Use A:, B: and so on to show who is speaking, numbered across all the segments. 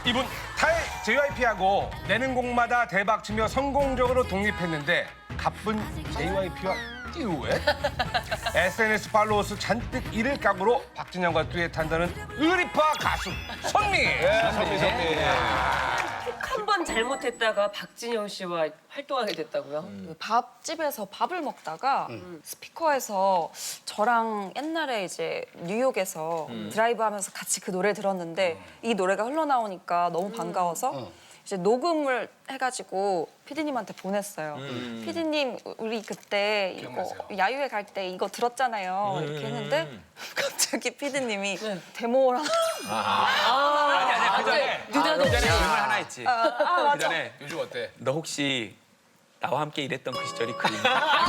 A: 이분 타이 JYP하고 내는 곡마다 대박치며 성공적으로 독립했는데 가쁜 JYP와 듀엣? SNS 팔로워 수 잔뜩 잃을 각오로 박진영과 듀엣한다는 의리파 가수 선미!
B: 선미.
C: 한 번 잘못했다가 박진영 씨와 활동하게 됐다고요?
D: 그 밥집에서 밥을 먹다가 스피커에서 저랑 옛날에 이제 뉴욕에서 드라이브 하면서 같이 그 노래를 들었는데 이 노래가 흘러나오니까 너무 반가워서 이제 녹음을 해가지고 피디님한테 보냈어요. 피디님, 우리 그때 이거 야유회 갈 때 이거 들었잖아요. 이렇게 했는데 갑자기 피디님이 데모를
C: 아니, 그 전에
B: 질문 하나 있지.
C: 맞아.
B: 전에
A: 요즘 어때?
B: 너 혹시 나와 함께 일했던 그 시절이 그립니?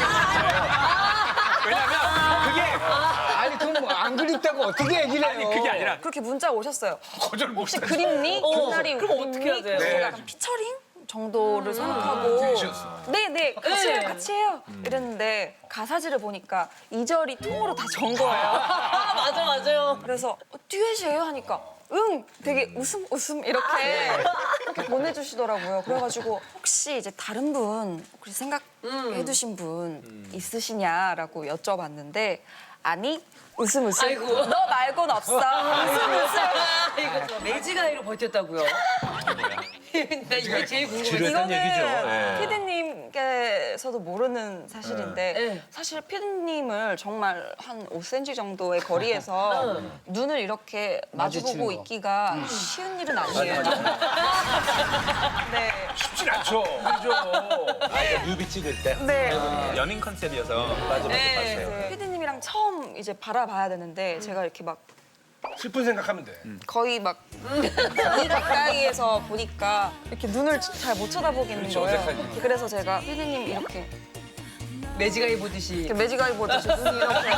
B: 왜냐면 그게
E: 아니 그럼 뭐 안 그립다고 어떻게 얘기를 해요?
B: 아니 그게 아니라
D: 그렇게 문자 오셨어요.
A: 거절 못
D: 혹시 그립니? 그날이
C: 그럼 어떻게 해야 돼요?
D: 그래서 약간 피처링 정도를 생각하고 네네 같이 해요 이랬는데 가사지를 보니까 2절이 통으로 다 전 거예요.
C: 맞아, 맞아요.
D: 그래서 듀엣이에요 하니까 응 되게 웃음 이렇게 보내주시더라고요. 그래가지고 혹시 이제 다른 분 혹시 생각해두신 분 있으시냐라고 여쭤봤는데 아니 웃음
C: 아이고.
D: 너 말고는 없어 웃음
C: 이거 매지가이로 버텼다고요? 나 이게 제일 궁금해.
B: 지루했던 얘기죠. 예.
D: 피디님께서도 모르는 사실인데
C: 네.
D: 사실 피디님을 정말 한 5cm 정도의 거리에서 눈을 이렇게 마주보고
E: 마주치는 거.
D: 있기가 쉬운 일은 아니에요. 네.
A: 쉽진 않죠. 그죠?
B: 뮤비 찍을 때
D: 네.
B: 연인 컨셉이어서 맞아
C: 네.
B: 봤어요.
D: 피디님이랑 처음 이제 바라봐야 되는데 제가 이렇게 막
A: 슬픈 생각하면 돼.
D: 거의 막 너무 가까이에서 보니까 이렇게 눈을 잘 못 쳐다보겠는 거예요. 그래서 제가 피디님 이렇게
C: 매지가이 보듯이.
D: 매지가이 보듯이 눈이 이렇게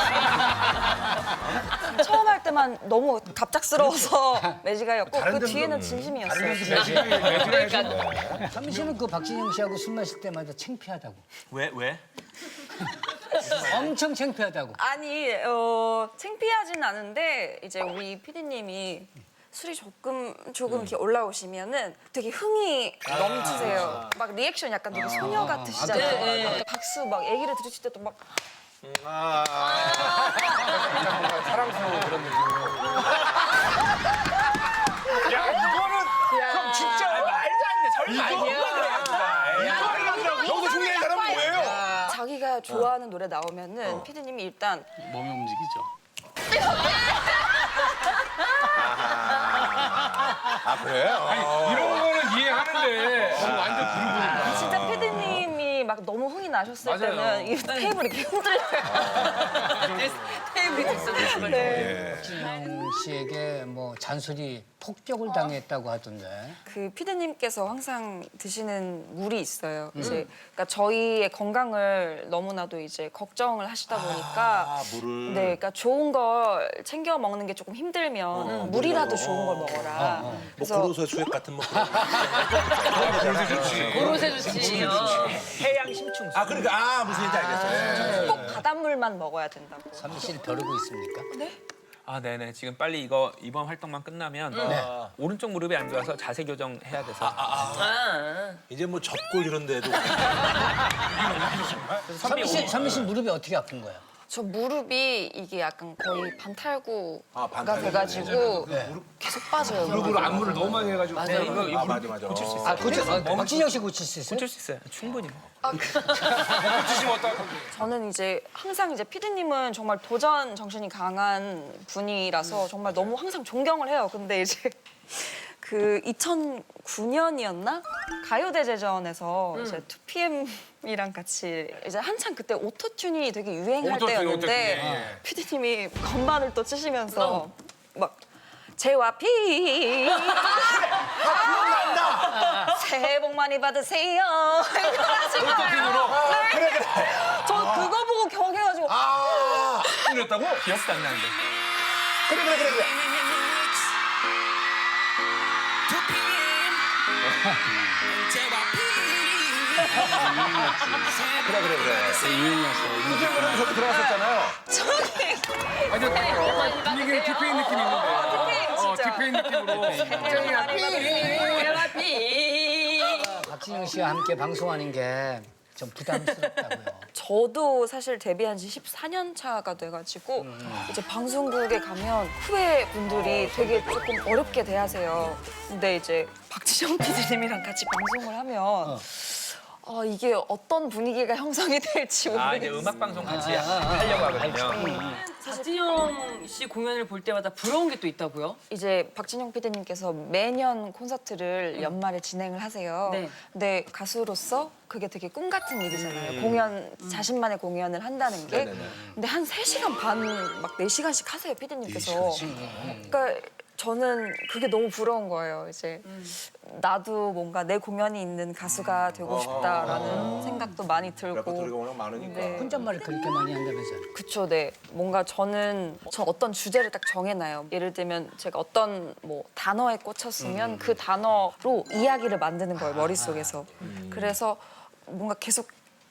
D: 처음 할 때만 너무 갑작스러워서 매지가이였고 그 뒤에는 진심이었어요.
E: 선미 씨는 그 박진영 씨하고 술 마실 때마다 창피하다고.
B: 왜?
E: 엄청 창피하다고.
D: 아니 창피하진 않은데 이제 우리 피디님이 술이 조금 이렇게 올라오시면은 되게 흥이 넘치세요. 막 리액션 약간 되게 소녀 같으시잖아요. 박수 막 얘기를 들으실 때도 막
A: 사랑스러운 그런 느낌으로. 야, 이거는 형 진짜 말도 안 돼. 설마 이거는 여기서 중요한 사람은 뭐예요?
D: 자기가 좋아하는 노래 나오면은 피디님이 일단
F: 몸이 움직이죠.
B: 아 그래요?
A: 이런 거는 이해하는데 완전 부르부르.
D: 진짜 피디님이 막 너무 흥이 나셨을 때는 이 테이블이 이렇게 흔들려요.
C: 테이블이 됐어.
E: 박진영 씨에게 뭐 잔소리 폭격을 당했다고 하던데.
D: 그 피디님께서 항상 드시는 물이 있어요. 이제 그러니까 저희의 건강을 너무나도 이제 걱정을 하시다 보니까 네, 그러니까 좋은 걸 챙겨 먹는 게 조금 힘들면 물이라도 좋은 걸 먹어라. 그래서
G: 고로쇠 수액 같은 뭐
C: 고로쇠 좋지.
B: 해양 심충수.
G: 아 그러니까 무슨 얘기인지 알겠어요.
D: 꼭 바닷물만 먹어야 된다고.
E: 선미 씨를 벼르고 있습니까?
B: 아 네네 지금 빨리 이거 이번 활동만 끝나면 오른쪽 무릎이 안 좋아서 자세 교정 해야 돼서
G: 이제 뭐 접골 이런 데도
E: 선미 씨 무릎이 어떻게 아픈 거야?
D: 저 무릎이 이게 약간 거의 반탈구가
G: 반탈구.
D: 돼가지고 계속 빠져요.
A: 무릎으로 안무를 너무 많이 해가지고.
G: 아 맞아.
B: 고칠 수 있어요.
E: 아 고칠 박진영 씨 고칠 수 있어요?
B: 고칠 수 있어요. 충분히.
A: 고치시면 어떡할 건데?
D: 저는 이제 항상 이제 피디님은 정말 도전 정신이 강한 분이라서 정말 너무 항상 존경을 해요. 근데 이제 그 2009년이었나 가요대제전에서 이제 2PM이랑 같이 이제 한창 그때 오토튠이 되게 유행할
A: 오토튠,
D: 때였는데
A: 오토튠, 예.
D: 피디님이 건반을 또 치시면서 막 제와피 새해 복 많이 받으세요. 이러신 거예요. 네. 저 그거 보고 경해가지고
A: 틀렸다고?
B: 기억도 안 나는데.
G: 그래. 그래. 유행이었어요. 저도 들어갔었잖아요.
A: 아니 분위기는 티페인 느낌이 있는데. 티페인 느낌으로.
E: 박진영 씨와 함께 방송하는 게 좀 부담스럽다고요.
D: 저도 사실 데뷔한 지 14년 차가 돼가지고 이제 방송국에 가면 후배 분들이 되게 조금 어렵게 대하세요. 근데 이제 박지정 PD님이랑 같이 방송을 하면 이게 어떤 분위기가 형성이 될지
B: 아 이제
D: 모르겠어요.
B: 음악 방송 같이 하려고 하거든요.
C: 박진영 씨 공연을 볼 때마다 부러운 게 또 있다고요?
D: 이제 박진영 PD님께서 매년 콘서트를 연말에 진행을 하세요.
C: 네.
D: 근데 가수로서 그게 되게 꿈 같은 일이잖아요. 공연, 자신만의 공연을 한다는 게. 근데 한 3시간 반, 막 4시간씩 하세요, PD님께서. 그러니까 저는 그게 너무 부러운 거예요. 이제 나도 뭔가 내 공연이 있는 가수가 되고 싶다라는 생각도 많이 들고.
G: 레퍼토리가 워낙 많으니까.
D: 네.
E: 혼잣말을 그렇게 많이 한다면서요.
D: 그쵸, 네. 뭔가 저 어떤 주제를 딱 정해놔요. 예를 들면 제가 어떤 뭐 단어에 꽂혔으면 그 단어로 이야기를 만드는 거예요, 머릿속에서. 그래서 뭔가 계속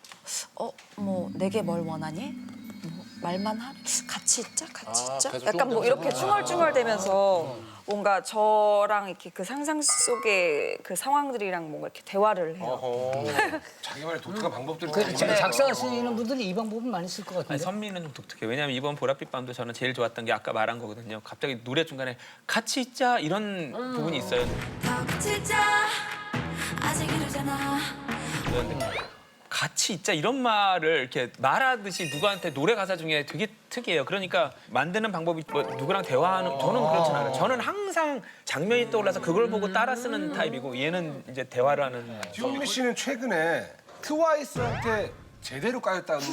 D: 뭐 내게 뭘 원하니? 뭐 말만 하래? 같이 있자? 같이 있자?
G: 계속
D: 약간 뭐
G: 조금
D: 이렇게 중얼중얼대면서 뭔가 저랑 이렇게 그 상상 속의 그 상황들이랑 뭔가 이렇게 대화를 해요.
A: 자기만의 독특한 방법들이
E: 그
A: 있네.
E: 작사가 쓰이는 분들이 이 방법은 많이 쓸 것
B: 아니,
E: 같은데.
B: 선미는 좀 독특해요. 왜냐하면 이번 보랏빛 밤도 저는 제일 좋았던 게 아까 말한 거거든요. 갑자기 노래 중간에 같이 있자 이런 부분이 있어요.
H: 진짜 아직 이러잖아.
B: 그런데 같이 있자 이런 말을 이렇게 말하듯이 누구한테 노래 가사 중에 되게 특이해요. 그러니까 만드는 방법이 뭐 누구랑 대화하는 저는 그렇진 않아요. 저는 항상 장면이 떠올라서 그걸 보고 따라 쓰는 타입이고 얘는 이제 대화를 하는.
A: 지용민 씨는 최근에 트와이스한테 제대로 까였다는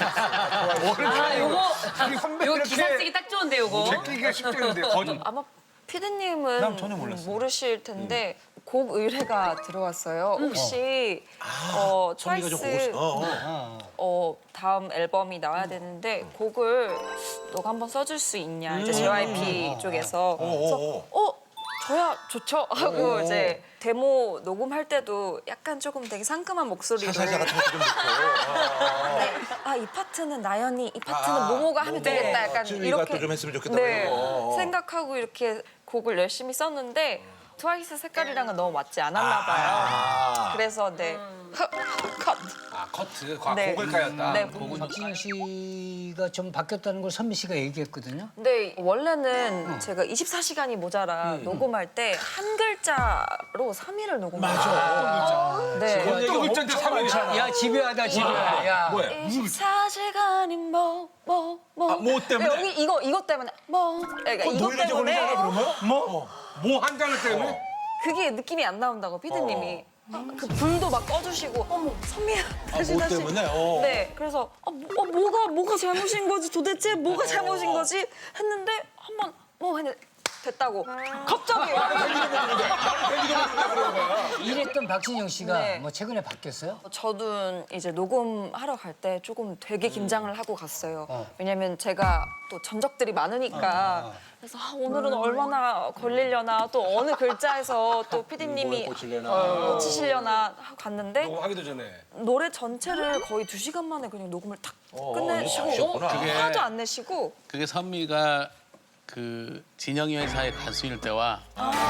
A: 얘기가
C: 요거
A: 선배
C: 요거
A: 이렇게
C: 기사 쓰기 딱 좋은데 요거.
A: 제끼기가 쉽지 않은데 거짓.
D: 아마 피디님은
B: 전혀 몰랐어요.
D: 모르실 텐데 곡 의뢰가 들어왔어요. 혹시
G: 선미가 좀 보고 싶어.
D: 다음 앨범이 나와야 되는데 곡을 너가 한번 써줄 수 있냐 이제 JYP 쪽에서 그래서 저야 좋죠 하고 이제 데모 녹음할 때도 약간 조금 되게 상큼한 목소리로
G: 사자 같은 것도 좀 넣고.
D: 이 파트는 나연이 이 파트는 모모가 하면 되겠다 약간
G: 쯔위가
D: 이렇게
G: 또 좀 했으면 좋겠다.
D: 네,
G: 그러고.
D: 생각하고 이렇게 곡을 열심히 썼는데 트와이스 색깔이랑은 너무 맞지 않았나 봐요. 그래서 네 컷.
A: 커트.
D: 네.
A: 곡을 까였다.
D: 네,
E: 박진영 씨가 좀 바뀌었다는 걸 선미 씨가 얘기했거든요.
D: 근데 원래는 제가 24시간이 모자라 녹음할 때 한 글자로 3일을 녹음해요. 네.
A: 또 글자인데 3일이잖아.
E: 야 집요하다 집요해. 야.
D: 24시간이 뭐.
G: 뭐 때문에?
D: 여기 이거 때문에 그러니까 이것
G: 노이로제
D: 때문에
G: 걸리잖아 그러면?
A: 뭐 한 장을 때문에?
D: 그게 느낌이 안 나온다고 피디님이. 그 불도 막 꺼주시고 어머 선미야 다시
G: 뭐
D: 다시
G: 때문에?
D: 네 그래서 뭐가 잘못인 거지 도대체 뭐가 잘못인 거지 했는데 한번 했는데 됐다고 갑자기
E: 이랬던 박진영 씨가
D: 네.
E: 뭐 최근에 바뀌었어요?
D: 저도 이제 녹음하러 갈 때 조금 되게 긴장을 하고 갔어요. 왜냐면 제가 또 전적들이 많으니까 그래서 오늘은 얼마나 걸리려나 또 어느 글자에서 또 PD님이 고치시려나 하고 갔는데
A: 녹음하기도 전에.
D: 노래 전체를 거의 2시간 만에 그냥 녹음을 탁 끝내시고
G: 바쁘셨구나.
D: 화도 안 내시고
F: 그게 선미가 그 진영이 회사의 가수일 때와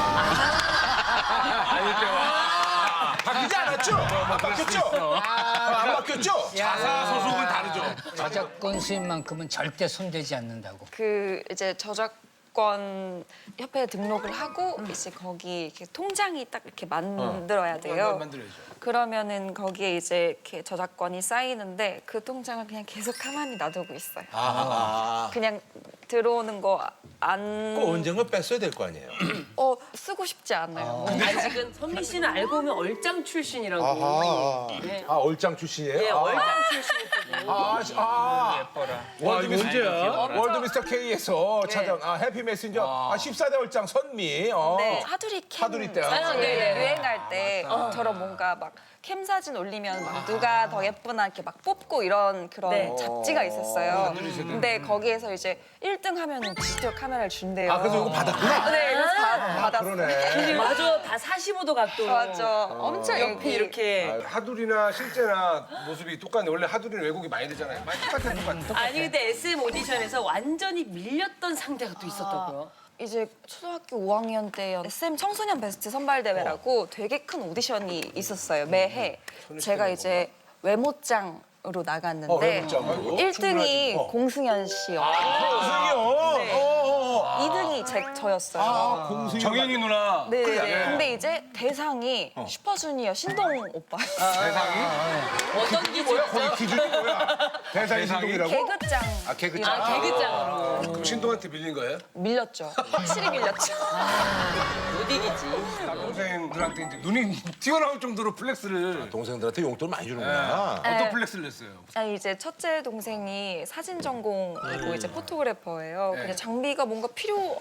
G: 바뀌지 않았죠? 바뀌었죠? 안 바뀌었죠?
A: 자사 소속은 다르죠.
E: 저작권 수입만큼은 절대 손대지 않는다고.
D: 그 이제 저작권 협회에 등록을 하고 이제 거기 이렇게 통장이 딱 이렇게 만들어야 돼요.
A: 만들어야죠.
D: 그러면은 거기에 이제 이렇게 저작권이 쌓이는데 그 통장을 그냥 계속 가만히 놔두고 있어요. 그냥 들어오는 거 안
G: 그 언젠가 뺐어야 될 거 아니에요?
D: 쓰고 싶지 않아요.
C: 아직은 선미 씨는 알고 보면 얼짱 출신이라고. 네.
G: 얼짱 출신이에요?
C: 네, 얼짱 출신이거든요.
B: 예뻐라.
A: 월드 언제야? 월드 미스터 K에서 찾아온 해피 메신저 14대 얼짱 선미.
D: 네, 하두리 캠
G: 하두리 때.
D: 유행할 때처럼 뭔가 막 캠 사진 올리면 막 누가 더 예쁘나 이렇게 막 뽑고 이런 그런
C: 네.
D: 잡지가 있었어요. 근데 거기에서 이제 1등 하면은 디지털 카메라를 준대요.
A: 그래서 이거 받았구나.
D: 네, 그래서 받았어요.
G: 그러네.
C: 맞아, 다 45도 각도로.
D: 맞아. 엄청
C: 옆에
D: 여기.
C: 이렇게.
A: 하두리나 실제나 모습이 똑같네. 원래 하두리는 왜곡이 많이 되잖아요. 많이 똑같아.
C: 아니 근데 SM 오디션에서 완전히 밀렸던 상대가 또 있었다고요?
D: 이제 초등학교 5학년 때 SM 청소년 베스트 선발대회라고 되게 큰 오디션이 있었어요. 매해. 제가 이제 외모장으로 나갔는데 1등이 공승현 씨였고 네. 2등이 저였어요.
A: 정현이 누나.
D: 네. 근데 이제 대상이 슈퍼주니어 신동 오빠였어요.
C: 어떤 기준이죠?
A: 기준이 뭐야? 대상이 신동이라고?
D: 개그장.
A: 개그장.
C: 개그장으로.
A: 그럼 신동한테 밀린 거예요?
D: 밀렸죠. 확실히 밀렸죠.
C: 못 이기지.
A: 남동생들한테 이제 눈이 튀어나올 정도로 플렉스를
G: 동생들한테 용돈 많이 주는구나.
A: 어떤 플렉스를 냈어요?
D: 아니 이제 첫째 동생이 사진 전공이고 이제 포토그래퍼예요. 근데 장비가 뭔가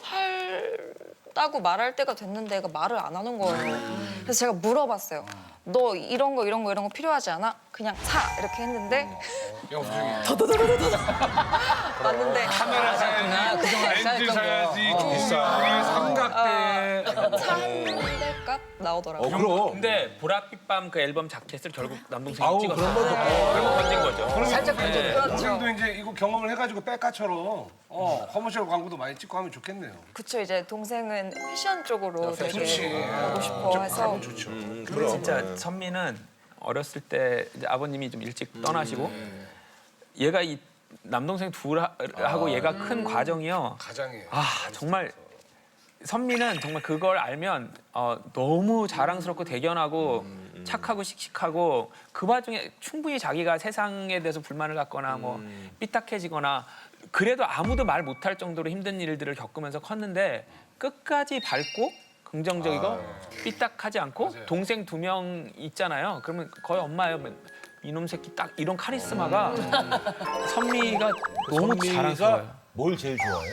D: 필요하다고 말할 때가 됐는데 얘가 말을 안 하는 거예요. 그래서 제가 물어봤어요. 너 이런 거 필요하지 않아? 그냥 사 이렇게 했는데 더더더더더 맞는데
A: 카메라 사야지, 렌즈 사야지, 조명에 삼각대.
D: 차 한 대 값 나오더라고요.
G: 그럼.
B: 근데 보랏빛밤 그 앨범 자켓을 결국 남동생이
G: 아우,
B: 찍었어요.
G: 그런 것도
B: 그리고 건진 거죠.
A: 살짝 동생도 이제 이거 경험을 해가지고 백가처럼 커머셜 광고도 많이 찍고 하면 좋겠네요.
D: 그쵸 이제 동생은 패션 쪽으로 되게
A: 좋지.
D: 보고 싶어 해서
A: 좋죠.
B: 근데 진짜 선미는 어렸을 때 이제 아버님이 좀 일찍 떠나시고 얘가 이 남동생 둘하고 얘가 큰 과정이요.
A: 가장이에요.
B: 아 정말 선미는 정말 그걸 알면 너무 자랑스럽고 대견하고 착하고 씩씩하고 그 와중에 충분히 자기가 세상에 대해서 불만을 갖거나 뭐 삐딱해지거나 그래도 아무도 말 못할 정도로 힘든 일들을 겪으면서 컸는데 끝까지 밝고 긍정적이고 삐딱하지 않고 동생 2명 있잖아요. 그러면 거의 엄마예요. 이놈 새끼 딱 이런 카리스마가 선미가 너무 자랑스러워요.
G: 뭘 제일 좋아해요?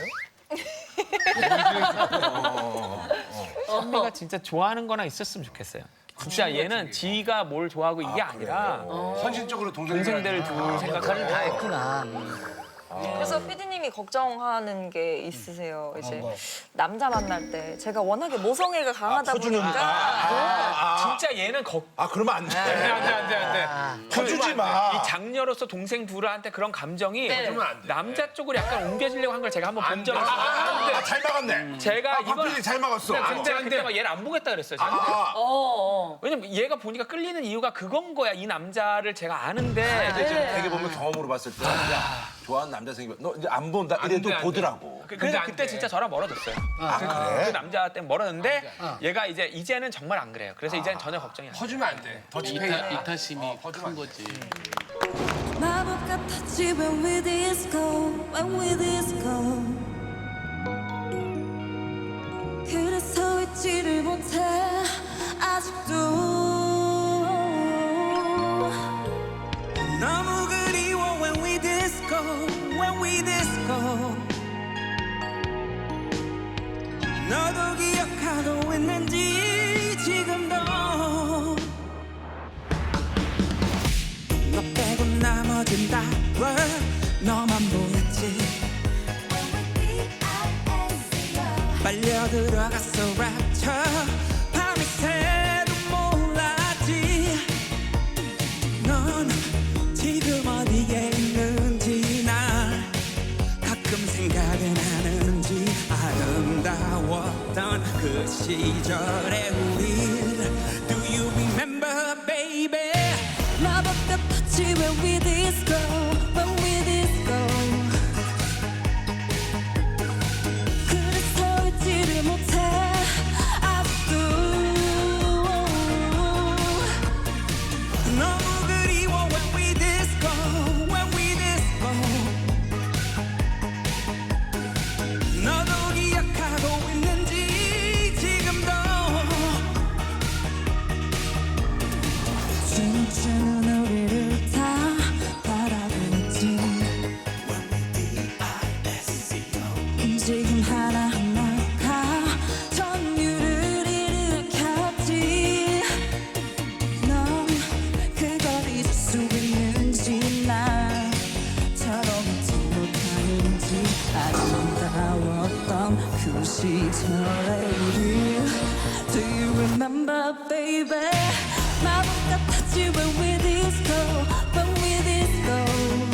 B: 선미가 진짜 좋아하는 거나 있었으면 좋겠어요. 진짜 얘는 지가 뭘 좋아하고 이게 아니라
A: 헌신적으로
B: 동생들 둘 생각하는
E: 다 했구나.
D: 그래서 PD님이 걱정하는 게 있으세요. 이제 남자 만날 때 제가 워낙에 모성애가 강하다 보니까
B: 진짜 얘는
G: 그러면 안 돼.
A: 안돼.
G: 터주지 마.
B: 이 장녀로서 동생 둘한테 그런 감정이
C: 네.
B: 남자 쪽으로 약간 옮겨지려고 한 걸 제가 한번 본 적이 있어요.
G: 잘 막았네.
B: 제가
G: 박필이 잘 막았어.
B: 근데 그때 막 얘를 안 보겠다 그랬어요. 제가. 왜냐면 얘가 보니까 끌리는 이유가 그건 거야. 이 남자를 제가 아는데
G: 근데 지금 되게 보면 경험으로 봤을 때 좋아하는 남자 생기면 너 이제 안 본다 이래도
A: 안 돼.
G: 보더라고.
B: 그래서 그때 진짜 저랑 멀어졌어요.
G: 그래?
B: 그 남자 때문에 멀어졌는데 얘가 이제는 정말 안 그래요. 그래서 이제는 전혀 걱정이 안 돼요.
A: 퍼주면 안 돼. 더치페이야.
F: 이타심이 큰 거지.
H: 마법 같았지 when we disco when we disco 그래서 잊지를 못해 아직도
I: 너무 그리워 when we disco when we disco 너도 기억하고 있는지 지금도 너 빼고 나머진 다 너만 보였지 빨려 들어갔어 rapture 밤이 새도 몰랐지 넌 지금 어디에 있는지 날 가끔 생각은 하는지 아름다웠던 그 시절의 우릴 Do you remember baby
H: 마법 같았지 when we disco when we disco 그래서 잊지를 못해 아직도
I: 너무 그리워 when we disco when we disco 너도 기억하고 있는지 지금도
H: remember, baby? 마법 같았지 when we disco, when we disco.